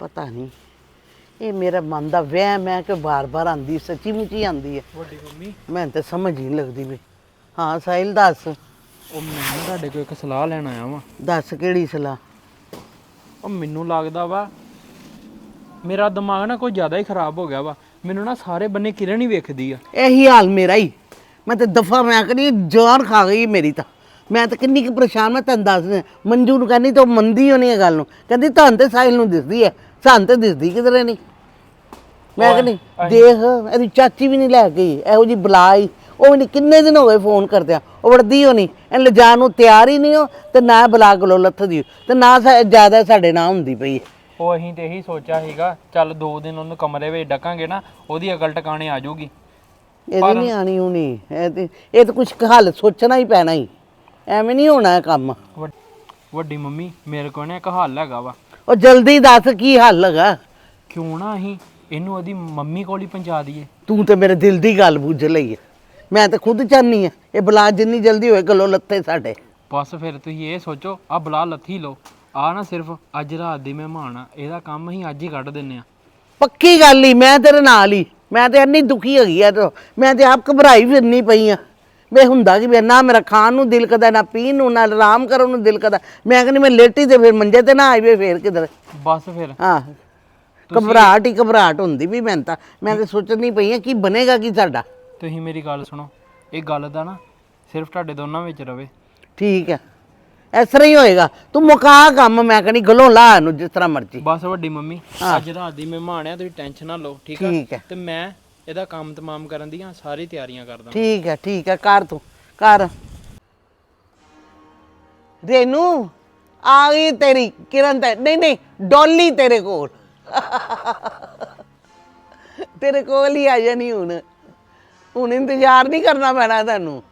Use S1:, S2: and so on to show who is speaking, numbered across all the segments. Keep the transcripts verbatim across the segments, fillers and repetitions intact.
S1: ਪਤਾ ਨਹੀਂ ਇਹ ਮੇਰਾ ਮਨ ਦਾ ਵਹਿਮ ਹੈ ਕਿ ਬਾਰ-ਬਾਰ ਆਂਦੀ ਸੱਚੀ ਮੁੱਚੀ ਆਂਦੀ ਹੈ।
S2: ਵੱਡੀ ਮੰਮੀ
S1: ਮੈਨੂੰ ਤਾਂ ਸਮਝ ਹੀ ਨਹੀਂ ਲੱਗਦੀ ਵੀ। ਹਾਂ ਸਾਹਿਲ ਦੱਸ।
S2: ਉਹ ਮੈਂ ਤੁਹਾਡੇ ਕੋਲ ਇੱਕ ਸਲਾਹ ਲੈਣ ਆਇਆ ਵਾਂ।
S1: ਦੱਸ ਕਿਹੜੀ ਸਲਾਹ?
S2: ਉਹ ਮੈਨੂੰ ਲੱਗਦਾ ਵਾ ਮੇਰਾ ਦਿਮਾਗ ਨਾ ਕੋਈ ਜ਼ਿਆਦਾ ਹੀ ਖਰਾਬ ਹੋ ਗਿਆ ਵਾ। ਮੈਨੂੰ ਨਾ ਸਾਰੇ ਬੰਨੇ ਕਿਰਨ ਹੀ ਵੇਖਦੀ ਆ।
S1: ਇਹੀ ਹਾਲ ਮੇਰਾ ਹੀ। ਮੈਂ ਤਾਂ ਦਫਾ ਮੈਂ ਕਹਿੰਦੀ ਜਾਨ ਖਾ ਗਈ ਮੇਰੀ ਤਾਂ। ਮੈਂ ਤਾਂ ਕਿੰਨੀ ਕੁ ਪਰੇਸ਼ਾਨ ਮੈਂ ਤੈਨੂੰ ਦੱਸ ਮੰਜੂ ਨੂੰ ਕਹਿੰਦੀ ਤਾਂ ਉਹ ਮੰਨਦੀ ਹੋਣੀ ਇਹ ਗੱਲ ਨੂੰ। ਕਹਿੰਦੀ ਤੁਹਾਨੂੰ ਤੇ ਸਾਹਿਲ ਨੂੰ ਦਿਸਦੀ ਹੈ ਸਾਨੂੰ ਤਾਂ ਦਿਸਦੀ ਕਿਧਰੇ ਨਹੀਂ। ਮੈਂ ਕਹਿੰਦੀ ਦੇਖ ਇਹਦੀ ਚਾਚੀ ਵੀ ਨਹੀਂ ਲੈ ਗਈ ਇਹੋ ਜਿਹੀ ਬੁਲਾਈ। ਉਹ ਵੀ ਨਹੀਂ ਕਿੰਨੇ ਦਿਨ ਹੋ ਗਏ ਫੋਨ ਕਰਦਿਆਂ ਉਹ ਵੜਦੀ ਹੋਣੀ ਇਹਨੂੰ ਲਿਜਾਣ ਨੂੰ ਤਿਆਰ ਹੀ ਨਹੀਂ ਹੋ ਤੇ ਨਾ ਬੁਲਾ ਗਲੋ ਲੱਥਦੀ ਤੇ ਨਾ ਜ਼ਿਆਦਾ ਸਾਡੇ ਨਾਲ ਹੁੰਦੀ ਪਈ ਹੈ।
S2: ਉਹ ਅਸੀਂ ਤੇ ਇਹੀ ਸੋਚਿਆ ਸੀਗਾ ਚੱਲ ਦੋ ਦਿਨ ਉਹਨੂੰ ਕਮਰੇ ਵਿੱਚ ਡਕਾਂਗੇ ਨਾ ਉਹਦੀ ਅਕਲ ਟਿਕਾਣੇ ਆ ਜਾਊਗੀ।
S1: ਇਹਦੀ ਨਹੀਂ ਆਣੀ ਹੋਣੀ ਇਹ ਤੇ ਇਹ ਤਾਂ ਕੁਛ ਹੱਲ ਸੋਚਣਾ ਹੀ ਪੈਣਾ ਹੀ। ਐਵੇਂ ਨਹੀਂ ਹੋਣਾ ਇਹ ਕੰਮ।
S2: ਵੱਡੀ ਮੰਮੀ ਮੇਰੇ ਕੋਲ ਨਾ ਇੱਕ ਹੱਲ ਹੈਗਾ ਵਾ।
S1: ਉਹ ਜਲਦੀ ਦੱਸ ਕੀ ਹੱਲ ਹੈਗਾ?
S2: ਕਿਉਂ ਨਾ ਅਸੀਂ ਇਹਨੂੰ ਉਹਦੀ ਮੰਮੀ ਕੋਲ ਹੀ ਪਹੁੰਚਾ ਦਈਏ।
S1: ਤੂੰ ਤੇ ਮੇਰੇ ਦਿਲ ਦੀ ਗੱਲ ਬੁੱਝ ਲਈ ਹੈ। ਮੈਂ ਤਾਂ ਖੁਦ ਚਾਹਨੀ ਆ ਇਹ ਬਲਾ ਜਿੰਨੀ ਜਲਦੀ ਹੋਏ ਗਲੋ ਲੱਥੇ ਸਾਡੇ।
S2: ਬਸ ਫਿਰ ਤੁਸੀਂ ਇਹ ਸੋਚੋ ਆ ਬਲਾ ਲੱਥੀ ਲਓ। ਆ ਨਾ ਸਿਰਫ ਅੱਜ ਰਾਤ ਦੀ ਮਹਿਮਾਨ ਆ ਇਹਦਾ ਕੰਮ ਅਸੀਂ ਅੱਜ ਹੀ ਕੱਢ ਦਿੰਨੇ ਆ।
S1: ਪੱਕੀ ਗੱਲ ਹੀ ਮੈਂ ਤੇਰੇ ਨਾਲ ਹੀ। ਮੈਂ ਤੇ ਇੰਨੀ ਦੁਖੀ ਹੈਗੀ ਆ। ਮੈਂ ਤੇ ਆਪ ਘਬਰਾਈ ਫਿਰਨੀ ਪਈ ਆ। ਵੇ ਹੁੰਦਾ ਕਿ ਨਾ ਮੇਰਾ ਖਾਣ ਨੂੰ ਦਿਲ ਕਰਦਾ ਨਾ ਪੀਣ ਨੂੰ ਨਾ ਆਰਾਮ ਕਰਨ ਨੂੰ ਦਿਲ ਕਰਦਾ। ਮੈਂ ਕਹਿੰਦੀ ਮੈਂ ਲੇਟੀ ਤੇ ਫਿਰ ਮੰਜੇ ਤੇ ਨਾ ਆਈਵੇ ਫੇਰ ਕਿਧਰ।
S2: ਬਸ ਫਿਰ
S1: ਹਾਂ ਘਬਰਾਹਟ ਹੀ ਘਬਰਾਹਟ ਹੁੰਦੀ ਵੀ ਮੈਨੂੰ ਤਾਂ। ਮੈਂ ਤਾਂ ਸੋਚਣੀ ਪਈ ਆ ਕੀ ਬਣੇਗਾ ਕੀ ਸਾਡਾ।
S2: ਤੁਸੀਂ ਮੇਰੀ ਗੱਲ ਸੁਣੋ ਇਹ ਗੱਲ ਦਾ ਨਾ ਸਿਰਫ ਤੁਹਾਡੇ ਦੋਨਾਂ ਵਿੱਚ ਰਵੇ।
S1: ਠੀਕ ਹੈ ਇਸ ਤਰ੍ਹਾਂ ਹੀ ਹੋਏਗਾ। ਤੂੰ ਮੁਕਾ ਕੰਮ ਮੈਂ ਕਹਿੰਦੀ ਗਲੋਂ ਲਾ ਇਹਨੂੰ ਜਿਸ ਤਰ੍ਹਾਂ ਮਰਜ਼ੀ।
S2: ਬਸ ਵੱਡੀ ਮੰਮੀ ਅੱਜ ਰਾਤ ਦੀ ਮਹਿਮਾਨ ਆ ਤੁਸੀਂ ਟੈਨਸ਼ਨ ਨਾ ਲਓ ਠੀਕ ਆ।
S1: ਠੀਕ ਹੈ
S2: ਤੇ ਮੈਂ ਇਹਦਾ ਕੰਮ ਤਮਾਮ ਕਰਨ ਦੀਆਂ ਸਾਰੀ ਤਿਆਰੀਆਂ ਕਰਦਾ।
S1: ਠੀਕ ਹੈ ਠੀਕ ਹੈ ਕਰ ਤੂੰ ਕਰ। ਰੇਨੂ ਆ ਗਈ ਤੇਰੀ ਕਿਰਨ ਤੇ ਨਹੀਂ ਨਹੀਂ ਡੋਲੀ ਤੇਰੇ ਕੋਲ ਤੇਰੇ ਕੋਲ ਹੀ ਆ ਜਾਣੀ ਹੁਣ। ਹੁਣ ਇੰਤਜ਼ਾਰ ਨਹੀਂ ਕਰਨਾ ਪੈਣਾ ਤੁਹਾਨੂੰ।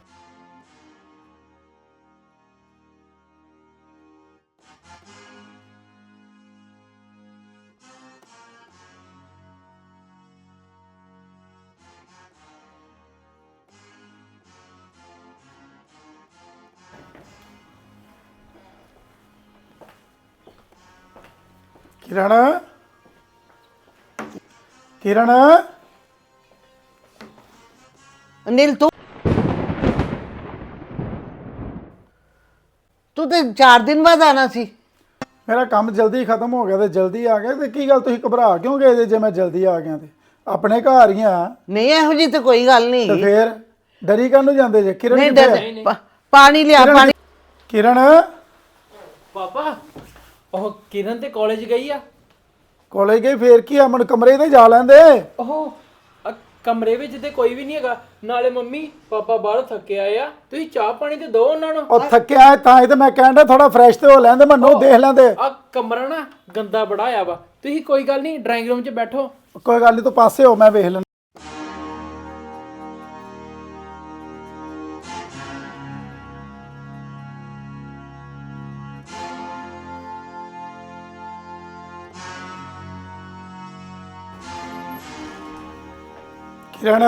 S3: किरण किरण
S1: अनिल तू तू तो चार दिन बाद आना सी।
S3: मेरा काम जल्दी खत्म हो गया तो जल्दी आ गया तो की गल तुसीं घबरा क्यों गए जे जे मैं जल्दी आ गया ते अपने घर ही हाँ।
S1: नहीं इहो जी तो कोई गल नहीं।
S3: तो फिर डरी काहनूं जांदे जे? किरण
S1: नहीं
S3: कित्थे
S1: डर
S3: है?
S1: पा, पानी लिया पानी।
S3: किरण
S2: ਪਾਪਾ ਉਹ ਕਿਰਨ ਤੇ ਕਾਲਜ ਗਈ ਆ।
S3: कॉलेज गई फिर की अमन कमरे ते जा लैंदे।
S2: ਉਹ ਅ, ਕਮਰੇ ਵਿੱਚ ਤੇ ਕੋਈ ਵੀ ਨਹੀਂ ਹੈਗਾ। ਨਾਲੇ ਮੰਮੀ ਪਾਪਾ ਬਾਹਰ ਥੱਕੇ ਆਏ ਆ ਤੁਸੀਂ ਚਾਹ ਪਾਣੀ ਤੇ ਦਿਓ ਉਹਨਾਂ ਨੂੰ।
S3: और थक्या है तां ही ते मैं कहंदा थोड़ा फ्रेश ते हो लैंदे मन्नू देख लैंदे।
S2: ਆ ਕਮਰਾ ਨਾ ਗੰਦਾ ਬੜਾ ਆ ਵਾ। ਤੁਸੀਂ ਕੋਈ ਗੱਲ ਨਹੀਂ ਡਰਾਇੰਗ ਰੂਮ 'ਚ ਬੈਠੋ।
S3: कोई गल नहीं तू पासे हो मैं वेख लैंदा। किरण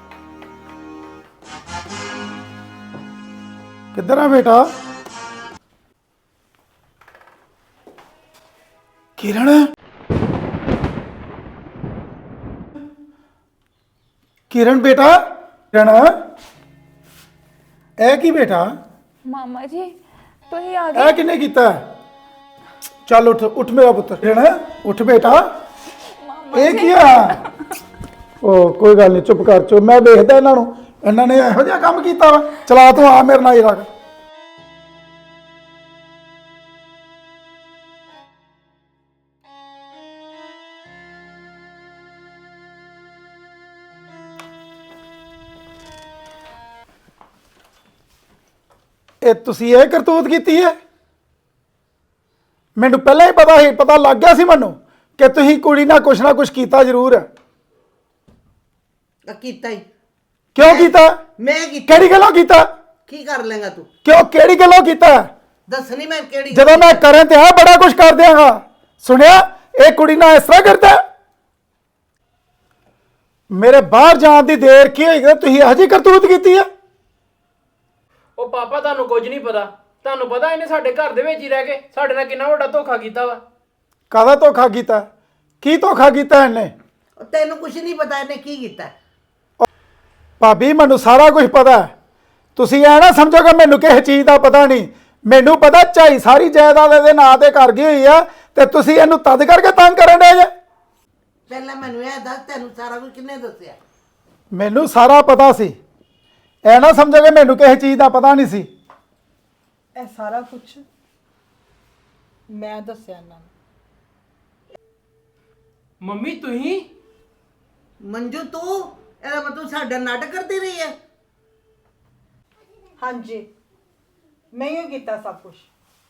S3: किधर है बेटा? किरण किरण बेटा किरण ए की बेटा
S4: मामा जी तो ही आ
S3: ए
S4: गए।
S3: किने कीता? चल उठ उठ मेरा पुत्र। किरण उठ बेटा ए किया? ओ कोई गल नहीं चुप कर चुप मैं देखदा इन्हां नूं इन्हां ने इहो जिहा काम कीता वा। चला तू आ मेरे नाल रख। ਇਹ ਤੁਸੀਂ ਇਹ ਕਰਤੂਤ ਕੀਤੀ ਹੈ? ਮੈਨੂੰ ਪਹਿਲਾਂ ਹੀ ਪਤਾ ਸੀ ਪਤਾ ਲੱਗ ਗਿਆ ਸੀ ਮੈਨੂੰ ਕਿ ਤੁਸੀਂ ਕੁੜੀ ਨਾਲ ਕੁਛ ਨਾ ਕੁਛ ਕੀਤਾ ਜ਼ਰੂਰ ਹੈ।
S1: ਕੀਤਾ ਹੀ
S3: ਕਿਉਂ ਕੀਤਾ?
S1: ਮੈਂ ਕੀਤਾ।
S3: ਕਿਹੜੀ ਗੱਲੋਂ ਕੀਤਾ?
S1: ਕੀ ਕਰ ਲੇਗਾ ਤੂੰ?
S3: ਕਿਉਂ ਕਿਹੜੀ ਗੱਲੋਂ ਕੀਤਾ?
S1: ਦੱਸਣੀ ਮੈਂ ਕਿਹੜੀ।
S3: ਜਦੋਂ ਮੈਂ ਕਰਨ ਤੇ ਆ ਬੜਾ ਕੁਛ ਕਰ ਦਿਆਂਗਾ। ਸੁਣਿਆ ਇਹ ਕੁੜੀ ਨਾਲ ਇਸ ਤਰ੍ਹਾਂ ਕਰਦਾ? ਮੇਰੇ ਬਾਹਰ ਜਾਣ ਦੀ ਦੇਰ ਕੀ ਹੋਈ? ਤੁਸੀਂ ਇਹੋ ਜਿਹੀ ਕਰਤੂਤ ਕੀਤੀ ਹੈ?
S2: ਉਹ ਪਾਪਾ ਤੁਹਾਨੂੰ ਕੁਝ ਨਹੀਂ ਪਤਾ। ਤੁਹਾਨੂੰ ਪਤਾ ਇਹਨੇ ਸਾਡੇ ਘਰ ਦੇ ਵਿੱਚ ਹੀ ਰਹਿ ਕੇ ਸਾਡੇ ਨਾਲ ਕਿੰਨਾ ਵੱਡਾ ਧੋਖਾ ਕੀਤਾ ਵਾ।
S3: ਕਾਹਦਾ ਧੋਖਾ ਕੀਤਾ? ਕੀ ਧੋਖਾ ਕੀਤਾ ਇਹਨੇ?
S1: ਉਹ ਤੈਨੂੰ ਕੁਝ ਨਹੀਂ ਪਤਾ ਇਹਨੇ ਕੀ ਕੀਤਾ।
S3: ਭਾਬੀ ਮੈਨੂੰ ਸਾਰਾ ਕੁਝ ਪਤਾ ਹੈ। ਤੁਸੀਂ ਐ ਨਾ ਸਮਝੋ ਕਿ ਮੈਨੂੰ ਕਿਸੇ ਚੀਜ਼ ਦਾ ਪਤਾ ਨਹੀਂ। ਮੈਨੂੰ ਪਤਾ ਝਾਈ ਸਾਰੀ ਜਾਇਦਾਦ ਇਹਦੇ ਨਾਂ ਤੇ ਕਰ ਗਈ ਹੋਈ ਆ ਤੇ ਤੁਸੀਂ ਇਹਨੂੰ ਤਦ ਕਰਕੇ ਤੰਗ ਕਰਨ ਦੇ ਜੇ।
S1: ਪਹਿਲਾਂ ਮੈਨੂੰ ਇਹ ਦੱਸ ਤੈਨੂੰ ਸਾਰਾ ਕੁਝ ਕਿੰਨੇ ਦੱਸਿਆ?
S3: ਮੈਨੂੰ ਸਾਰਾ ਪਤਾ ਸੀ। ਐ ਨਾ ਸਮਝੋ ਕਿ ਮੈਨੂੰ ਕਿਸੇ ਚੀਜ਼ ਦਾ ਪਤਾ ਨਹੀਂ ਸੀ।
S5: ਇਹ ਸਾਰਾ ਕੁਝ ਮੈਂ ਦੱਸਿਆ ਇਹਨਾਂ ਨੂੰ।
S2: ਮੰਮੀ ਤੁਸੀਂ
S1: ਮੰਜੂ ਤੂੰ ਇਹਦਾ ਮਤਲਬ ਸਾਡਾ ਨਾਟਕ ਕਰਦੀ ਰਹੀ ਹੈ।
S5: ਹਾਂਜੀ ਮੈਂ ਹੀ ਕੀਤਾ ਸਭ ਕੁਝ।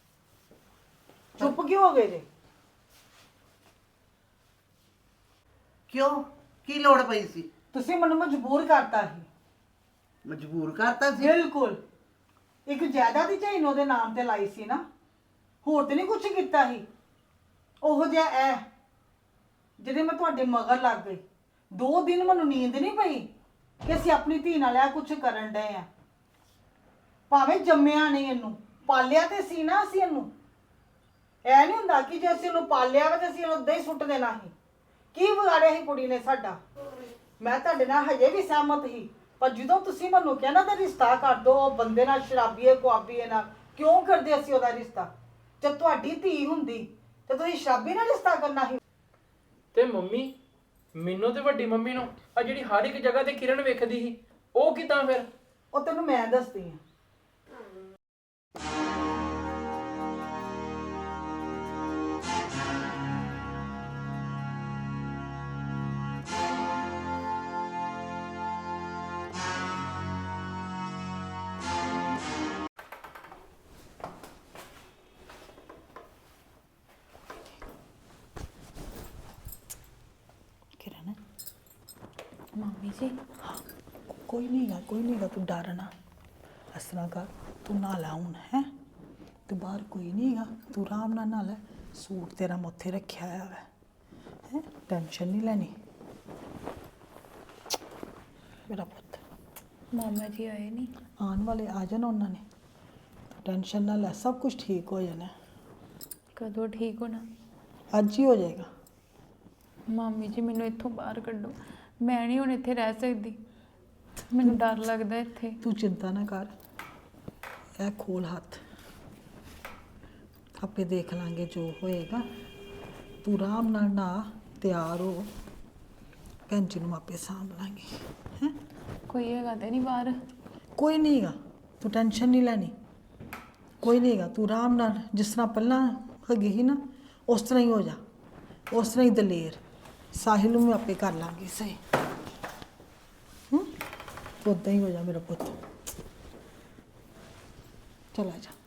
S5: ਚੁੱਪ ਕਿਉਂ ਹੋ ਗਏ ਜੇ?
S1: ਕਿਉਂ ਕੀ ਲੋੜ ਪਈ ਸੀ?
S5: ਤੁਸੀਂ ਮੈਨੂੰ ਮਜਬੂਰ ਕਰਤਾ ਸੀ।
S1: ਮਜਬੂਰ ਕਰਤਾ ਸੀ?
S5: ਬਿਲਕੁਲ। ਇੱਕ ਜਾਇਦਾਦ ਦੀ ਝਾਈ ਨੂੰ ਉਹਦੇ ਨਾਮ ਤੇ ਲਾਈ ਸੀ ਨਾ, ਹੋਰ ਤੇ ਨਹੀਂ ਕੁਝ ਕੀਤਾ ਸੀ। ਉਹੋ ਜਿਹਾ ਐ ਜਿਹਦੇ ਮੈਂ ਤੁਹਾਡੇ ਮਗਰ ਲੱਗ ਗਈ। ਦੋ ਦਿਨ ਮੈਨੂੰ ਨੀਂਦ ਨਹੀਂ ਪਈ ਕਿ ਅਸੀਂ ਆਪਣੀ ਧੀ ਨਾਲ ਇਹ ਕੁਝ ਕਰਨ ਡਏ ਆ। ਭਾਵੇਂ ਜੰਮਿਆ ਨਹੀਂ ਇਹਨੂੰ, ਪਾਲਿਆ ਤੇ ਸੀ ਨਾ ਅਸੀਂ ਇਹਨੂੰ। ਐ ਨਹੀਂ ਹੁੰਦਾ ਕਿ ਜੇ ਅਸੀਂ ਇਹਨੂੰ ਪਾਲਿਆ ਵਾ ਤੇ ਅਸੀਂ ਇਹਨੂੰ ਉਦਾਂ ਹੀ ਸੁੱਟ ਦੇਣਾ ਸੀ। ਕੀ ਵਿਗਾੜਿਆ ਸੀ ਕੁੜੀ ਨੇ ਸਾਡਾ? ਮੈਂ ਤੁਹਾਡੇ ਨਾਲ ਹਜੇ ਵੀ ਸਹਿਮਤ ਸੀ, ਪਰ ਜਦੋਂ ਤੁਸੀਂ ਮੈਨੂੰ ਕਿਹਾ ਨਾ ਤਾਂ ਰਿਸ਼ਤਾ ਕਰ ਦੋ ਉਹ ਬੰਦੇ ਨਾਲ, ਸ਼ਰਾਬੀਏ ਕੁਆਬੀਏ ਨਾਲ, ਕਿਉਂ ਕਰਦੇ ਅਸੀਂ ਉਹਦਾ ਰਿਸ਼ਤਾ? ਜੇ ਤੁਹਾਡੀ ਧੀ ਹੁੰਦੀ ਤੇ ਤੁਸੀਂ ਸ਼ਰਾਬੀ ਨਾਲ ਰਿਸ਼ਤਾ ਕਰਨਾ ਸੀ।
S2: ਤੇ ਮੰਮੀ ਮੈਨੂੰ ਤੇ ਵੱਡੀ ਮੰਮੀ ਨੂੰ ਆ ਜਿਹੜੀ ਹਰ ਇੱਕ ਜਗ੍ਹਾ ਤੇ ਕਿਰਨ ਵੇਖਦੀ ਸੀ ਉਹ ਕਿਦਾਂ ਫਿਰ?
S5: ਉਹ ਤੈਨੂੰ ਮੈਂ ਦੱਸਦੀ ਹਾਂ। किरण
S4: ਮੰਮੀ ਜੀ
S5: कोई नहीं गा कोई नहीं गा तू डर ना। इस तरह कर तू ना ला हूं है तो बाहर कोई नहीं गा। तू आराम नाल ना लै। सूट तेरा मैं उत्थे रखिया है है टेंशन नहीं लेनी मेरा पुत।
S4: ਮਾਮਾ ਜੀ ਆਏ ਨਹੀਂ?
S5: आने वाले आ जाना उन्होंने। तो टेंशन ना लै, सब कुछ ठीक हो जाना।
S4: ਕਦੋਂ ਠੀਕ ਹੋਣਾ?
S5: अज ही हो जाएगा।
S4: ਮਾਮੀ ਜੀ ਮੈਨੂੰ ਇੱਥੋਂ ਬਾਹਰ ਕੱਢੋ, ਮੈਂ ਨਹੀਂ ਹੁਣ ਇੱਥੇ ਰਹਿ ਸਕਦੀ। ਮੈਨੂੰ ਡਰ ਲੱਗਦਾ ਇੱਥੇ।
S5: तू चिंता ना कर, ए खोल हाथ, आपे देख लांगे जो होएगा। तू आराम नाल ना तैयार हो, भैन जी नूं आपे सांभ लांगे हैं।
S4: ਕੋਈ ਹੈਗਾ ਤੇ ਨਹੀਂ ਬਾਹਰ?
S5: कोई नहीं गा, तू टेंशन नहीं लैनी। कोई नहीं गा, तू आराम नाल जिस तरह पहला हैगी ही ना उस तरह ही हो जा, उस तरह ही दलेर। साहिल नूं भी आपे कर लांगे सही। हूँ उदा ही हो जा मेरा पुत। चला जा।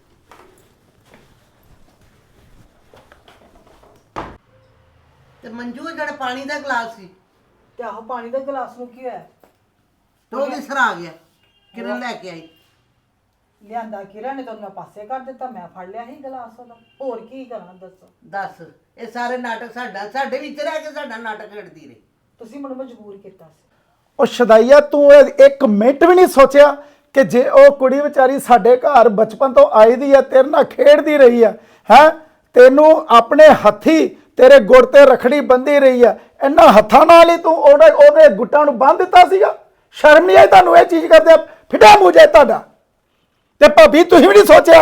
S1: ਤੇ ਮੰਜੂ ਜਿਹੜਾ ਪਾਣੀ ਦਾ ਗਲਾਸ ਸੀ
S5: ਤੇ ਆਹੋ ਪਾਣੀ ਦਾ ਗਲਾਸ ਨੂੰ ਕੀ ਹੋਇਆ?
S1: ਤੇ ਉਹ ਕਿਸ ਤਰ੍ਹਾਂ ਆ ਗਿਆ? ਕਿਰਨ ਲੈ ਕੇ ਆਈ।
S5: ਲਿਆਂਦਾ ਕਿਰਨ ਨੇ ਤਾਂ ਉਹਨੂੰ ਪਾਸੇ ਕਰ ਦਿੱਤਾ, ਮੈਂ ਫੜ ਲਿਆ ਸੀ ਗਲਾਸ ਉਹਦਾ। ਹੋਰ ਕੀ ਕਰਾਂ ਦੱਸੋ?
S1: ਦੱਸ ਇਹ ਸਾਰੇ ਨਾਟਕ ਸਾਡਾ ਸਾਡੇ ਵਿੱਚ ਰਹਿ ਕੇ ਸਾਡਾ ਨਾਟਕ ਖੇਡਦੀ ਰਹੀ।
S5: ਤੁਸੀਂ ਮੈਨੂੰ ਮਜਬੂਰ ਕੀਤਾ ਸੀ।
S3: ਉਹ ਸ਼ਦਾਈਆ ਤੂੰ ਇਹ ਇੱਕ ਮਿੰਟ ਵੀ ਨਹੀਂ ਸੋਚਿਆ ਕਿ ਜੇ ਉਹ ਕੁੜੀ ਵਿਚਾਰੀ ਸਾਡੇ ਘਰ ਬਚਪਨ ਤੋਂ ਆਈ ਦੀ ਆ, ਤੇਰੇ ਨਾਲ ਖੇਡਦੀ ਰਹੀ ਆ, ਹੈ ਤੈਨੂੰ ਆਪਣੇ ਹੱਥੀ ਤੇਰੇ ਗੁੜ ਤੇ ਰਖੜੀ ਬੰਦੀ ਰਹੀ ਆ, ਇਹਨਾਂ ਹੱਥਾਂ ਨਾਲ ਹੀ ਤੂੰ ਉਹਦੇ ਉਹਦੇ ਗੁੱਟਾਂ ਨੂੰ ਬੰਨ ਦਿੱਤਾ ਸੀਗਾ। ਸ਼ਰਮ ਨਹੀਂ ਆਈ ਤੁਹਾਨੂੰ ਇਹ ਚੀਜ਼ ਕਰਦੇ? ਫਿੱਟਾ ਮੂੰਹ ਜੇ ਤੁਹਾਡਾ। ਤੇ ਭਾਬੀ ਤੁਸੀਂ ਵੀ ਨਹੀਂ ਸੋਚਿਆ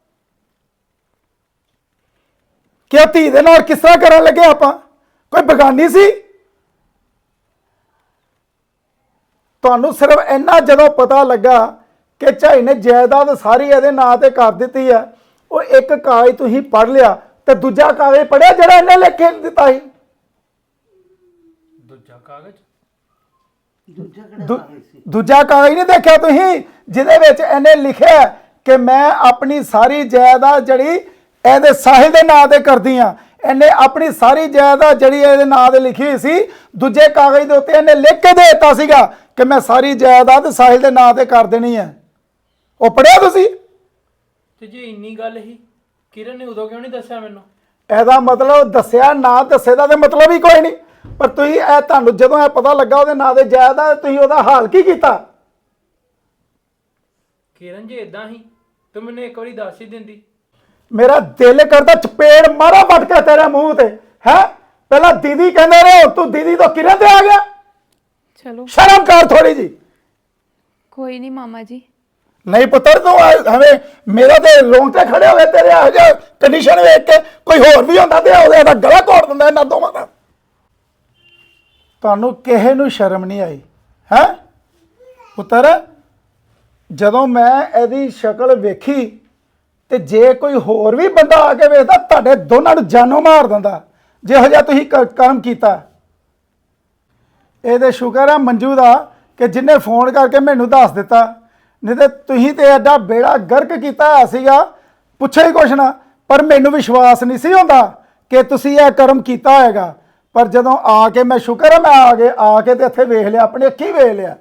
S3: ਕਿ ਉਹ ਧੀ ਦੇ ਨਾਲ ਕਿਸ ਤਰ੍ਹਾਂ ਕਰਨ ਲੱਗੇ ਆਪਾਂ? ਕੋਈ ਬੇਗਾਨੀ ਸੀ? ਤੁਹਾਨੂੰ ਸਿਰਫ ਇੰਨਾ ਜਦੋਂ ਪਤਾ ਲੱਗਾ ਕਿ ਝਾਈ ਨੇ ਜਾਇਦਾਦ ਸਾਰੀ ਇਹਦੇ ਨਾਂ ਤੇ ਕਰ ਦਿੱਤੀ ਹੈ, ਉਹ ਇੱਕ ਕਾਗਜ਼ ਤੁਸੀਂ ਪੜ੍ਹ ਲਿਆ ਤੇ ਦੂਜਾ ਕਾਗਜ਼ ਪੜ੍ਹਿਆ ਜਿਹੜਾ ਇਹਨੇ ਲਿਖ ਕੇ ਦਿੱਤਾ ਸੀ?
S2: ਦੂਜਾ ਕਾਗਜ਼?
S1: ਦੂਜਾ ਕਿਹੜਾ
S3: ਦੂ-
S1: ਕਾਗਜ਼ ਸੀ?
S3: ਦੂਜਾ ਕਾਗਜ਼ ਨਹੀਂ ਦੇਖਿਆ ਤੁਸੀਂ ਜਿਹਦੇ ਵਿੱਚ ਇਹਨੇ ਲਿਖਿਆ ਕਿ ਮੈਂ ਆਪਣੀ ਸਾਰੀ ਜਾਇਦਾਦ ਜਿਹੜੀ ਇਹਦੇ ਸਾਹਿਲ ਦੇ ਨਾਂ ਤੇ ਕਰਦੀ ਆ। ਇਹਨੇ ਆਪਣੀ ਸਾਰੀ ਜਾਇਦਾਦ ਜਿਹੜੀ ਇਹਦੇ ਨਾਂ ਤੇ ਲਿਖੀ ਹੋਈ ਸੀ, ਦੂਜੇ ਕਾਗਜ਼ ਦੇ ਉੱਤੇ ਇਹਨੇ ਲਿਖ ਕੇ ਦੇ ਦਿੱਤਾ ਸੀਗਾ ਕਿ ਮੈਂ ਸਾਰੀ ਜਾਇਦਾਦ ਸਾਹਿਲ ਦੇ ਨਾਂ ਤੇ ਕਰ ਦੇਣੀ ਹੈ। ਉਹ ਪੜਿਆ ਤੁਸੀਂ?
S2: ਤੇ ਜੇ ਇੰਨੀ ਗੱਲ ਹੀ ਕਿਰਨ ਨੇ ਉਦੋਂ ਕਿਉਂ ਨਹੀਂ ਦੱਸਿਆ ਮੈਨੂੰ?
S3: ਇਹਦਾ ਮਤਲਬ ਦੱਸਿਆ ਨਾ ਦੱਸੇ ਦਾ ਤੇ ਮਤਲਬ ਹੀ ਕੋਈ ਨਹੀਂ। ਪਰ ਤੁਸੀਂ ਇਹ ਤੁਹਾਨੂੰ ਜਦੋਂ ਇਹ ਪਤਾ ਲੱਗਾ ਉਹਦੇ ਨਾਂ ਤੇ ਜਾਇਦਾਦ, ਤੁਸੀਂ ਉਹਦਾ ਹਾਲ ਕੀ ਕੀਤਾ?
S2: ਕਿਰਨ ਜੇ ਇਦਾਂ ਹੀ ਤੂੰ ਮੈਨੂੰ ਇੱਕ ਵਾਰੀ ਦੱਸ ਹੀ ਦਿੰਦੀ।
S3: ਮੇਰਾ ਦਿਲ ਕਰਦਾ ਚਪੇੜ ਮਾਰਾ ਵੱਟ ਕੇ ਤੇਰੇ ਮੂੰਹ ਤੇ। ਹੈ ਪਹਿਲਾਂ ਦੀਦੀ ਕਹਿੰਦੇ ਰਹੇ ਹੁਣ ਤੂੰ ਦੀਦੀ ਤੋਂ ਕਿਰਨ ਤੇ ਆ ਗਿਆ।
S4: ਚਲੋ
S3: ਸ਼ਰਮ ਕਰ ਥੋੜੀ ਜੀ।
S4: ਕੋਈ ਨਹੀਂ ਮਾਮਾ ਜੀ।
S3: ਨਹੀਂ ਪੁੱਤਰ ਤੂੰ ਹਵੇਂ ਮੇਰਾ ਤੇ ਰੋਂਗਟੇ ਖੜੇ ਹੋ ਗਏ ਤੇਰੇ ਇਹੋ ਜਿਹੇ ਕੰਡੀਸ਼ਨ ਵੇਖ ਕੇ। ਕੋਈ ਹੋਰ ਵੀ ਹੁੰਦਾ ਤੇ ਉਹਦਾ ਇਹਦਾ ਗਲਾ ਘੋੜ ਦਿੰਦਾ ਇਹਨਾਂ ਦੋਵਾਂ ਦਾ। ਤੁਹਾਨੂੰ ਕਿਸੇ ਨੂੰ ਸ਼ਰਮ ਨਹੀਂ ਆਈ ਹੈ ਪੁੱਤਰ? ਜਦੋਂ ਮੈਂ ਇਹਦੀ ਸ਼ਕਲ ਵੇਖੀ ਤੇ ਜੇ ਕੋਈ ਹੋਰ ਵੀ ਬੰਦਾ ਆ ਕੇ ਵੇਖਦਾ ਤੁਹਾਡੇ ਦੋਨਾਂ ਨੂੰ ਜਾਨੋਂ ਮਾਰ ਦਿੰਦਾ ਜਿਹੋ ਜਿਹਾ ਤੁਸੀਂ ਕ- ਕੰਮ ਕੀਤਾ। ਇਹਦੇ ਸ਼ੁਕਰ ਹੈ ਮੰਜੂ ਦਾ ਕਿ ਜਿੰਨੇ ਫੋਨ ਕਰਕੇ ਮੈਨੂੰ ਦੱਸ ਦਿੱਤਾ, ਨਹੀਂ ਤੇ ਤੁਸੀਂ ਤੇ ਐਡਾ ਬੇੜਾ ਗਰਕ ਕੀਤਾ ਹੋਇਆ ਸੀਗਾ ਪੁੱਛੇ ਹੀ ਕੁਛ ਨਾ। ਪਰ ਮੈਨੂੰ ਵਿਸ਼ਵਾਸ ਨਹੀਂ ਸੀ ਹੁੰਦਾ ਕਿ ਤੁਸੀਂ ਇਹ ਕਰਮ ਕੀਤਾ ਹੋਏਗਾ। ਪਰ ਜਦੋਂ ਆ ਕੇ ਮੈਂ ਸ਼ੁਕਰ ਹੈ ਮੈਂ ਆ ਕੇ ਆ ਕੇ ਤੇ ਇੱਥੇ ਵੇਖ ਲਿਆ, ਆਪਣੀ ਅੱਖੀਂ ਵੇਖ ਲਿਆ।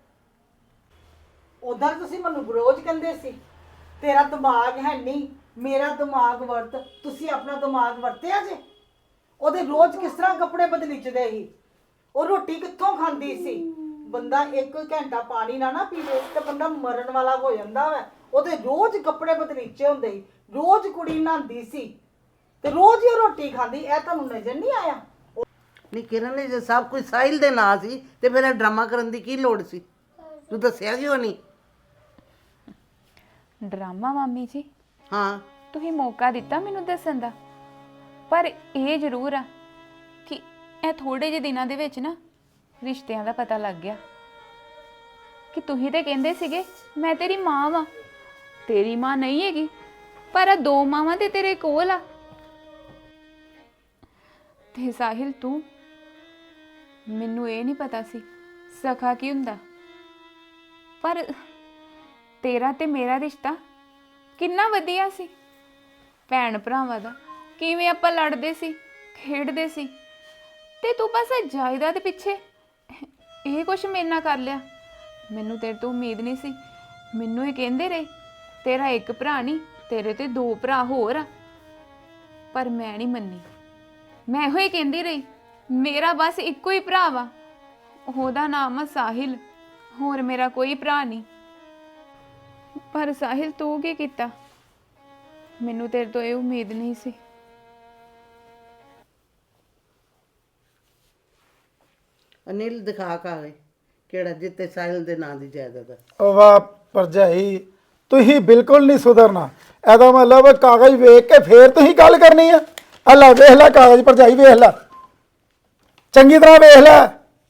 S5: ਉਦਾਂ ਤੁਸੀਂ ਮੈਨੂੰ ਬਰੋਜ ਕਹਿੰਦੇ ਸੀ ਤੇਰਾ ਦਿਮਾਗ ਹੈ ਨਹੀਂ, ਮੇਰਾ ਦਿਮਾਗ ਵਰਤ। ਤੁਸੀਂ ਆਪਣਾ ਦਿਮਾਗ ਵਰਤਿਆ ਜੇ? ਉਹਦੇ ਰੋਜ਼ ਕਿਸ ਤਰ੍ਹਾਂ ਕੱਪੜੇ ਬਦਲੀਚਦੇ ਸੀ, ਉਹ ਰੋਟੀ ਕਿੱਥੋਂ ਖਾਂਦੀ ਸੀ? ਬੰਦਾ ਇੱਕ ਘੰਟਾ ਪਾਣੀ ਨਾ ਨਾ ਪੀਵੇ ਤੇ ਬੰਦਾ ਮਰਨ ਵਾਲਾ ਹੋ ਜਾਂਦਾ ਵਾ। ਉਹਦੇ ਰੋਜ਼ ਕੱਪੜੇ ਬਦਲੀਚੇ ਹੁੰਦੇ ਸੀ, ਰੋਜ਼ ਕੁੜੀ ਨਹਾਉਂਦੀ ਸੀ ਤੇ ਰੋਜ਼ ਹੀ ਉਹ ਰੋਟੀ ਖਾਂਦੀ। ਇਹ ਤੁਹਾਨੂੰ ਨਜ਼ਰ ਨਹੀਂ ਆਇਆ?
S1: ਨਹੀਂ ਕਿਰਨ ਨੇ ਜੇ ਸਭ ਕੁਝ ਸਾਹਿਲ ਦੇ ਨਾਂ ਸੀ ਤੇ ਫਿਰ ਇਹ ਡਰਾਮਾ ਕਰਨ ਦੀ ਕੀ ਲੋੜ ਸੀ? ਤੂੰ ਦੱਸਿਆ ਕਿਉਂ ਨਹੀਂ?
S4: ਡਰਾਮਾ ਮਾਮੀ ਜੀ,
S1: ਹਾਂ
S4: ਤੁਸੀਂ ਮੌਕਾ ਦਿੱਤਾ ਮੈਨੂੰ ਦੱਸਣ ਦਾ। ਪਰ ਇਹ ਜ਼ਰੂਰ ਆ ਕਿ ਇਹ ਥੋੜੇ ਜਿਹੇ ਦਿਨਾਂ ਦੇ ਵਿੱਚ ਨਾ ਰਿਸ਼ਤਿਆਂ ਦਾ ਪਤਾ ਲੱਗ ਗਿਆ ਕਿ ਤੁਸੀਂ ਤੇ ਕਹਿੰਦੇ ਸੀਗੇ ਮੈਂ ਤੇਰੀ ਮਾਂ ਵਾਂ। ਤੇਰੀ ਮਾਂ ਨਹੀਂ ਹੈਗੀ, ਪਰ ਆ ਦੋ ਮਾਵਾਂ ਤੇ ਤੇਰੇ ਕੋਲ ਆ। ਤੇ ਸਾਹਿਲ ਤੂੰ, ਮੈਨੂੰ ਇਹ ਨਹੀਂ ਪਤਾ ਸੀ ਸਖਾ ਕੀ ਹੁੰਦਾ। ਪਰ ਤੇਰਾ ਤੇ ਮੇਰਾ ਰਿਸ਼ਤਾ ਕਿੰਨਾ ਵਧੀਆ ਸੀ, ਭੈਣ ਭਰਾਵਾਂ ਦਾ। ਕਿਵੇਂ ਆਪਾਂ ਲੜਦੇ ਸੀ, ਖੇਡਦੇ ਸੀ, ਤੇ ਤੂੰ ਬਸ ਇਹ ਜਾਇਦਾਦ ਪਿੱਛੇ ਇਹ ਕੁਛ ਮੇਰੇ ਨਾਲ ਕਰ ਲਿਆ। ਮੈਨੂੰ ਤੇਰੇ ਤੋਂ ਉਮੀਦ ਨਹੀਂ ਸੀ। ਮੈਨੂੰ ਇਹ ਕਹਿੰਦੇ ਰਹੇ ਤੇਰਾ ਇੱਕ ਭਰਾ ਨਹੀਂ, ਤੇਰੇ ਤੇ ਦੋ ਭਰਾ ਹੋਰ ਆ। ਪਰ ਮੈਂ ਨਹੀਂ ਮੰਨੀ। ਮੈਂ ਇਹੋ ਹੀ ਕਹਿੰਦੀ ਰਹੀ ਮੇਰਾ ਬਸ ਇੱਕੋ ਹੀ ਭਰਾ ਵਾ, ਉਹਦਾ ਨਾਮ ਆ ਸਾਹਿਲ, ਹੋਰ ਮੇਰਾ ਕੋਈ ਭਰਾ ਨਹੀਂ। ਪਰ ਸਾਹਿਲ ਤੂੰ ਕੀ ਕੀਤਾ? ਮੈਨੂੰ ਤੇਰੇ ਤੋਂ ਇਹ ਉਮੀਦ ਨਹੀਂ ਸੀ।
S1: ਅਨਿਲ ਦਿਖਾ ਕਾਗਜ਼ ਕਿਹੜਾ ਜਿੱਤੇ ਸਾਹਿਲ ਦੇ ਨਾਂ ਦੀ ਜਾਇਦਾਦ ਹੈ।
S3: ਉਹ ਵਾਹ ਭਰਜਾਈ, ਤੁਸੀਂ ਬਿਲਕੁਲ ਨਹੀਂ ਸੁਧਰਨਾ। ਇਹਦਾ ਮਤਲਬ ਕਾਗਜ਼ ਵੇਖ ਕੇ ਫੇਰ ਤੁਸੀਂ ਗੱਲ ਕਰਨੀ ਆ। ਆ ਲੈ ਵੇਖ ਲੈ ਕਾਗਜ਼ ਭਰਜਾਈ, ਵੇਖ ਲੈ ਚੰਗੀ ਤਰ੍ਹਾਂ ਵੇਖ ਲੈ।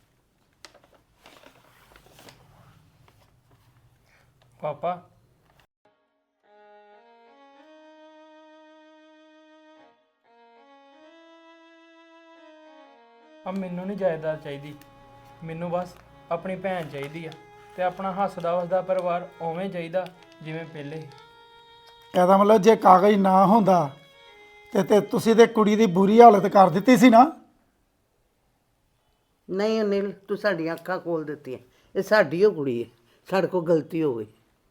S2: ਪਾਪਾ ਆ ਮੈਨੂੰ ਨਹੀਂ ਜਾਇਦਾਦ ਚਾਹੀਦੀ, ਮੈਨੂੰ ਬਸ ਆਪਣੀ ਭੈਣ ਚਾਹੀਦੀ ਆ ਤੇ ਆਪਣਾ ਹੱਸਦਾ ਵਸਦਾ ਪਰਿਵਾਰ ਉਵੇਂ ਚਾਹੀਦਾ ਜਿਵੇਂ ਪਹਿਲੇ ਸੀ।
S3: ਇਹਦਾ ਮਤਲਬ ਜੇ ਕਾਗਜ਼ ਨਾ ਹੁੰਦਾ ਤੇ ਤੇ ਤੁਸੀਂ ਤੇ ਕੁੜੀ ਦੀ ਬੁਰੀ ਹਾਲਤ ਕਰ ਦਿੱਤੀ ਸੀ ਨਾ।
S1: ਨਹੀਂ ਅਨਿਲ ਤੂੰ ਸਾਡੀਆਂ ਅੱਖਾਂ ਖੋਲ ਦਿੱਤੀਆਂ। ਇਹ ਸਾਡੀ ਓ ਕੁੜੀ ਹੈ, ਸਾਡੇ ਕੋਲ ਗਲਤੀ ਹੋ ਗਈ।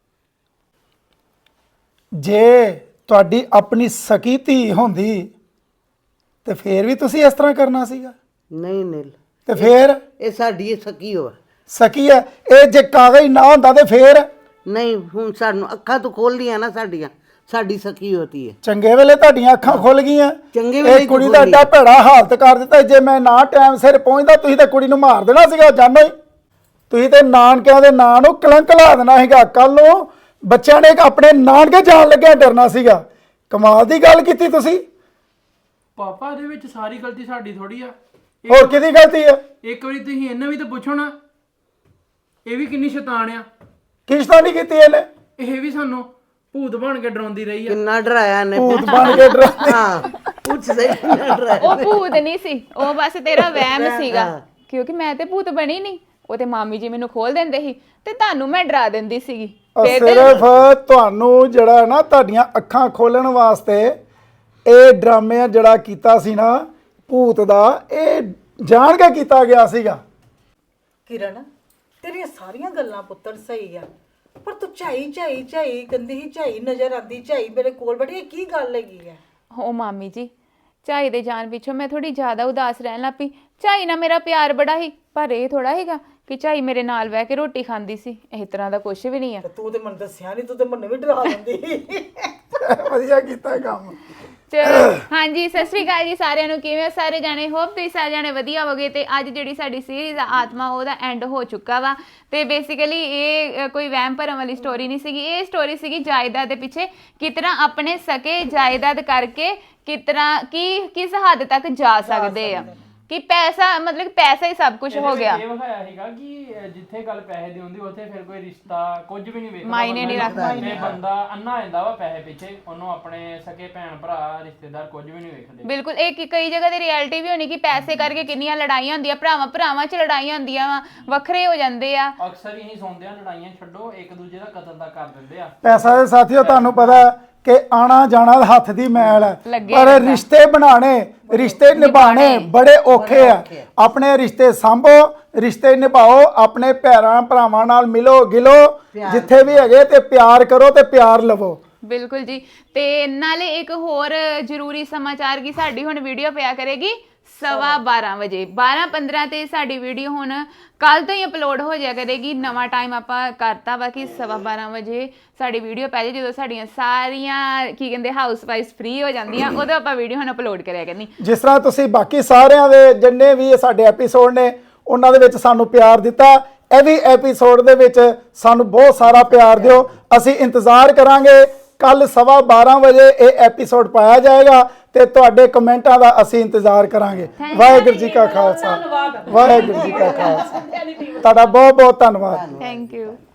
S3: ਜੇ ਤੁਹਾਡੀ ਆਪਣੀ ਸਕੀ ਧੀ ਹੁੰਦੀ ਤੇ ਫੇਰ ਵੀ ਤੁਸੀਂ ਇਸ ਤਰ੍ਹਾਂ ਕਰਨਾ ਸੀਗਾ।
S1: ਨਹੀਂ ਅਨਿਲ
S3: ਤੇ ਫੇਰ
S1: ਇਹ ਸਾਡੀ ਸਕੀ ਹੋ।
S3: ਸਕੀ ਹੈ ਇਹ, ਜੇ ਕਾਗਜ਼ ਨਾ ਹੁੰਦਾ ਤੇ ਫੇਰ
S1: ਨਹੀਂ ਹੁਣ ਸਾਨੂੰ ਅੱਖਾਂ ਤੋਂ ਖੋਲ ਲੀਆਂ ਨਾ ਸਾਡੀਆਂ, ਸਾਡੀ ਸਕੀ ਹੋਤੀ ਹੈ।
S3: ਚੰਗੇ ਵੇਲੇ ਤੁਹਾਡੀਆਂ ਅੱਖਾਂ ਖੁੱਲ ਗਈਆਂ।
S1: ਚੰਗੇ ਵੇਲੇ
S3: ਇਹ ਕੁੜੀ
S1: ਕਿਉਂ
S3: ਦਾ
S1: ਖੁੱਲ
S3: ਐਡਾ ਭੈੜਾ ਹਾਲਤ ਕਰ ਦਿੱਤਾ। ਜੇ ਮੈਂ ਨਾ ਟਾਈਮ ਸਿਰ ਪਹੁੰਚਦਾ ਤੁਸੀਂ ਤਾਂ ਕੁੜੀ ਨੂੰ ਮਾਰ ਦੇਣਾ ਸੀਗਾ ਜਾਨੋ ਹੀ। ਤੁਸੀਂ ਤੇ ਨਾਨਕਿਆਂ ਦੇ ਨਾਂ ਨੂੰ ਕਲੰਕ ਲਾ ਦੇਣਾ ਸੀਗਾ। ਕੱਲ ਨੂੰ ਬੱਚਿਆਂ ਨੇ ਆਪਣੇ ਨਾਨਕੇ ਜਾਣ ਲੱਗਿਆ ਡਰਨਾ ਸੀਗਾ। ਕਮਾਲ ਦੀ ਗੱਲ ਕੀਤੀ ਤੁਸੀਂ।
S2: ਪਾਪਾ ਇਹਦੇ ਵਿੱਚ ਸਾਰੀ ਗਲਤੀ ਸਾਡੀ ਥੋੜੀ ਆ।
S3: ਹੋਰ ਕਿਹਦੀ ਗਲਤੀ ਹੈ?
S2: ਇੱਕ ਵਾਰੀ ਤੁਸੀਂ ਇਹਨਾਂ ਵੀ ਤਾਂ ਪੁੱਛੋ ਨਾ, ਇਹ ਵੀ ਕਿੰਨੀ ਸ਼ੈਤਾਨ ਆ।
S3: ਕਿਸ਼ਤਾਂ ਨਹੀਂ ਕੀਤੀ ਇਹਨੇ।
S2: ਇਹ ਵੀ ਸਾਨੂੰ ਭੂਤ ਬਣ ਕੇ ਡਰਾਉਂਦੀ ਰਹੀ ਆ।
S1: ਕਿੰਨਾ ਡਰਾਇਆ ਨੇ
S3: ਭੂਤ ਬਣ ਕੇ ਡਰਾ।
S1: ਹਾਂ ਪੁੱਛ ਸਹੀ ਕਿੰਨਾ ਡਰਾਇਆ।
S4: ਉਹ ਭੂਤ ਨਹੀਂ ਸੀ, ਉਹ ਬਸ ਤੇਰਾ ਵਹਿਮ ਸੀਗਾ। ਕਿਉਂਕਿ ਮੈਂ ਤੇ ਭੂਤ ਬਣੀ ਨਹੀਂ, ਉਹ ਤੇ ਮਾਮੀ ਜੀ ਮੈਨੂੰ ਖੋਲ ਦਿੰਦੇ ਸੀ ਤੇ ਤੁਹਾਨੂੰ ਮੈਂ ਡਰਾ ਦਿੰਦੀ ਸੀਗੀ। ਫਿਰ ਤੇ
S3: ਸਿਰਫ ਤੁਹਾਨੂੰ ਜਿਹੜਾ ਨਾ ਤੁਹਾਡੀਆਂ ਅੱਖਾਂ ਖੋਲਣ ਵਾਸਤੇ ਇਹ ਡਰਾਮੇ ਜਿਹੜਾ ਕੀਤਾ ਸੀ ਨਾ ਭੂਤ ਦਾ, ਇਹ ਜਾਣ ਕੇ ਕੀਤਾ ਗਿਆ ਸੀਗਾ।
S5: ਕਿਰਨ ਤੇਰੀਆਂ ਸਾਰੀਆਂ ਗੱਲਾਂ ਪੁੱਤਰ ਸਹੀ ਆ, ਪਰ ਤੂੰ ਝਾਈ ਝਾਈ ਝਾਈ ਕਹਿੰਦੀ ਸੀ, ਝਾਈ ਨਜ਼ਰ ਆਂਦੀ, ਝਾਈ ਮੇਰੇ ਕੋਲ ਬੈਠੀ, ਇਹ ਕੀ ਗੱਲ ਹੈਗੀ ਹੈ?
S4: ਹੋ ਮਾਮੀ ਜੀ, ਝਾਈ ਦੇ ਜਾਣ ਪਿੱਛੋਂ ਮੈਂ ਥੋੜੀ ਜ਼ਿਆਦਾ ਉਦਾਸ ਰਹਿਣ ਲੱਗ ਪਈ। ਝਾਈ ਨਾਲ ਮੇਰਾ ਪਿਆਰ ਬੜਾ ਸੀ, ਪਰ ਇਹ ਥੋੜਾ ਹੈਗਾ ਕਿ ਝਾਈ ਮੇਰੇ ਨਾਲ ਬਹਿ ਕੇ ਰੋਟੀ ਖਾਂਦੀ ਸੀ। ਇਸ ਤਰ੍ਹਾਂ ਦਾ ਕੁਝ ਵੀ ਨਹੀਂ ਆ।
S5: ਤੇ ਤੂੰ ਤੇ ਮੈਨੂੰ ਦੱਸਿਆ ਨਹੀਂ, ਤੂੰ ਤੇ ਮੈਨੂੰ ਵੀ ਡਰਾ ਦਿੰਦੀ।
S3: ਵਧੀਆ ਕੀਤਾ ਕੰਮ।
S4: ਚਲੋ ਹਾਂਜੀ ਸਤਿ ਸ਼੍ਰੀ ਅਕਾਲ ਜੀ ਸਾਰਿਆਂ ਨੂੰ। ਕਿਵੇਂ ਹੋ ਸਾਰੇ ਜਾਣੇ? ਹੋਪ ਤੁਸੀਂ ਸਾਰੇ ਜਾਣੇ ਵਧੀਆ ਹੋਗੇ। ਤੇ ਅੱਜ ਜਿਹੜੀ ਸਾਡੀ ਸੀਰੀਜ਼ ਆ ਆਤਮਾ ਉਹਦਾ ਐਂਡ ਹੋ ਚੁੱਕਾ ਵਾ। ਤੇ ਬੇਸਿਕਲੀ ਇਹ ਅ, ਕੋਈ ਵਹਿਮ ਭਰਮ ਵਾਲੀ ਸਟੋਰੀ ਨਹੀਂ ਸੀਗੀ। ਇਹ ਸਟੋਰੀ ਸੀਗੀ ਜਾਇਦਾਦ ਦੇ ਪਿੱਛੇ ਕਿਤਨਾ ਆਪਣੇ ਸਕੇ ਜਾਇਦਾਦ ਕਰਕੇ ਕਿਤਨਾ ਕੀ ਕਿਸ ਹੱਦ ਤੱਕ ਜਾ ਸਕਦੇ ਆ ਕਿ ਪੈਸਾ ਮਤਲਬ ਪੈਸਾ ਹੀ ਸਭ ਕੁਝ ਹੋ ਗਿਆ।
S2: ਇਹ ਵਿਖਾਇਆ ਸੀਗਾ ਕਿ ਅਹ, ਜਿੱਥੇ ਗੱਲ ਪੈਸੇ ਦੀ ਹੁੰਦੀ ਉੱਥੇ ਫਿਰ ਕੋਈ ਰਿਸ਼ਤਾ ਕੁਝ ਵੀ ਨਹੀਂ ਵੇਖਦਾ,
S4: ਮਾਇਨੇ ਨਹੀਂ ਰੱਖਦਾ।
S2: ਤੇ ਬੰਦਾ ਅੰਨਾ ਹੋ ਜਾਂਦਾ ਵਾ ਪੈਸੇ ਪਿੱਛੇ, ਉਹਨੂੰ ਆਪਣੇ ਸਕੇ ਭੈਣ ਭਰਾ ਰਿਸ਼ਤੇਦਾਰ ਕੁਝ ਵੀ ਨਹੀਂ ਵੇਖਦੇ।
S4: ਬਿਲਕੁਲ ਇਹ ਕਿ ਕਈ ਜਗ੍ਹਾ ਤੇ ਰਿਐਲਿਟੀ ਵੀ ਹੋਣੀ ਕਿ ਪੈਸੇ ਕਰਕੇ ਕਿੰਨੀਆਂ ਲੜਾਈਆਂ ਹੁੰਦੀਆਂ, ਭਰਾਵਾਂ ਭਰਾਵਾਂ 'ਚ ਲੜਾਈਆਂ ਹੁੰਦੀਆਂ ਵਾ, ਵੱਖਰੇ ਹੋ ਜਾਂਦੇ ਆ।
S2: ਅਕਸਰ ਹੀ ਸੁਣਦੇ ਆ ਲੜਾਈਆਂ ਛੱਡੋ ਇੱਕ ਦੂਜੇ ਦਾ ਕਤਲ ਦਾ ਕਰ ਦਿੰਦੇ ਆ।
S3: ਪੈਸਾ ਦੇ ਸਾਥੀਓ ਤੁਹਾਨੂੰ ਪਤਾ ਕਿ ਆਣਾ ਜਾਣਾ ਹੱਥ ਦੀ ਮੈਲ ਹੈ,
S4: ਲੱਗੇ
S3: ਪਰ
S4: ਰਹਿੰਦਾ।
S3: ਰਿਸ਼ਤੇ ਬਣਾਣੇ ਰਿਸ਼ਤੇ ਨਿਭਾਣੇ ਬੜੇ ਔਖੇ ਆ। ਆਪਣੇ ਰਿਸ਼ਤੇ ਸੰਭੋ, ਰਿਸ਼ਤੇ ਨਿਭਾਓ, ਆਪਣੇ ਭੈਣਾਂ ਭਰਾਵਾਂ ਨਾਲ ਮਿਲੋ ਗਿਲੋ, ਜਿੱਥੇ ਵੀ ਹੈਗੇ ਤੇ ਪਿਆਰ ਕਰੋ ਤੇ ਪਿਆਰ ਲਵੋ।
S4: ਬਿਲਕੁਲ ਜੀ। ਤੇ ਨਾਲੇ ਇੱਕ ਹੋਰ ਜ਼ਰੂਰੀ ਸਮਾਚਾਰ ਕਿ ਸਾਡੀ ਹੁਣ ਵੀਡੀਓ ਪਿਆ ਕਰੇਗੀ ਸਵਾ ਬਾਰਾਂ ਵਜੇ ਬਾਰਾਂ ਪੰਦਰਾਂ ਤੇ ਸਾਡੀ ਵੀਡੀਓ ਹੁਣ ਕੱਲ ਤੋਂ ਹੀ ਅਪਲੋਡ ਹੋ ਜਾਇਆ ਕਰੇਗੀ। ਨਵਾਂ ਟਾਈਮ ਆਪਾਂ ਕਰਤਾ ਵਾ ਕਿ ਸਵਾ ਬਾਰਾਂ ਵਜੇ ਸਾਡੀ ਵੀਡੀਓ ਪੈ ਜੇ, ਜਦੋਂ ਸਾਡੀਆਂ ਸਾਰੀਆਂ ਕੀ ਕਹਿੰਦੇ ਹਾਊਸ ਵਾਈਫ ਫ੍ਰੀ ਹੋ ਜਾਂਦੀਆਂ ਉਦੋਂ ਆਪਾਂ ਵੀਡੀਓ ਹੁਣ ਅਪਲੋਡ ਕਰਿਆ ਕਰਨੀ।
S3: ਜਿਸ ਤਰ੍ਹਾਂ ਤੁਸੀਂ ਬਾਕੀ ਸਾਰਿਆਂ ਦੇ ਜਿੰਨੇ ਵੀ ਸਾਡੇ ਐਪੀਸੋਡ ਨੇ ਉਹਨਾਂ ਦੇ ਵਿੱਚ ਸਾਨੂੰ ਪਿਆਰ ਦਿੱਤਾ, ਇਹ ਵੀ ਐਪੀਸੋਡ ਦੇ ਵਿੱਚ ਸਾਨੂੰ ਬਹੁਤ ਸਾਰਾ ਪਿਆਰ ਦਿਓ। ਅਸੀਂ ਇੰਤਜ਼ਾਰ ਕਰਾਂਗੇ ਕੱਲ ਸਵਾ ਬਾਰਾਂ ਵਜੇ ਇਹ ਐਪੀਸੋਡ ਪਾਇਆ ਜਾਏਗਾ ਤੇ ਤੁਹਾਡੇ ਕਮੈਂਟਾਂ ਦਾ ਅਸੀਂ ਇੰਤਜ਼ਾਰ ਕਰਾਂਗੇ। ਵਾਹਿਗੁਰੂ ਜੀ ਕਾ ਖਾਲਸਾ, ਵਾਹਿਗੁਰੂ ਜੀ ਕਾ ਖਾਲਸਾ। ਤੁਹਾਡਾ ਬਹੁਤ ਬਹੁਤ ਧੰਨਵਾਦ।
S4: Thank you.